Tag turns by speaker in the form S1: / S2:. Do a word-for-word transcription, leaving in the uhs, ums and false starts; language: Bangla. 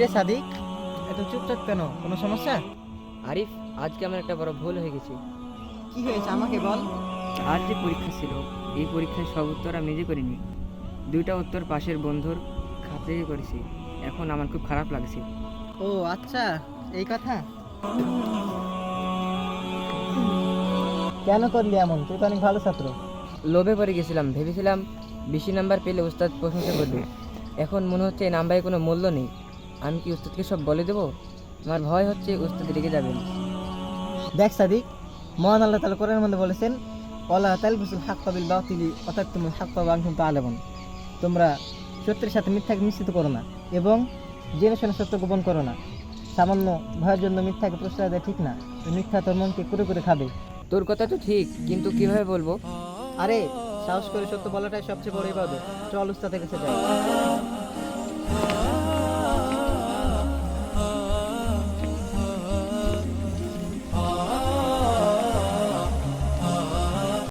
S1: সাদিক, এত চুপচাপ কেন? কোনো সমস্যা?
S2: আরিফ, আজকে আমার একটা বড় ভুল হয়ে গেছে।
S1: কি হয়েছে আমাকে বল।
S2: আজ যে পরীক্ষা ছিল, এই পরীক্ষার সব উত্তর আমি নিজে করিনি। দুইটা উত্তর পাশের বন্ধুর খাতা থেকে করেছি। এখন আমার খুব খারাপ লাগছে।
S1: ও আচ্ছা, এই কথা। কেন করলি এমন? তুই তো অনেক ভালো ছাত্র।
S2: লোভে পড়ে গেছিলাম, ভেবেছিলাম বেশি নাম্বার পেলে উস্তাদ প্রশংসা করবে। এখন মনে হচ্ছে এই নাম্বারে কোনো মূল্য নেই। আমি কি উস্তাদকে সব বলে দেবো? আমার ভয় হচ্ছে উস্তাদ রেগে যাবেন।
S1: দেখ সাদিক, মহান আল্লাহ তাআলা কোরআনের মধ্যে বলেছেন, ওয়ালা তালবিসুল হাক্কা বিল বাতিলি ওয়া তাকতুমুল হাক্কা ওয়া আনতুম তা'লামুন। তোমরা সত্যের সাথে মিথ্যাকে মিশ্রিত করো না এবং জেনে শুনে সত্য গোপন করো না। সামান্য ভয়ের জন্য মিথ্যাকে প্রশ্রয় দেওয়া ঠিক না। এই মিথ্যা তোর মনকে করে করে খাবে।
S2: তোর কথা তো ঠিক, কিন্তু কিভাবে বলবো?
S1: আরে, সাহস করে সত্য বলাটাই সবচেয়ে বড় ইবাদত। চল উস্তাদের কাছে যাই।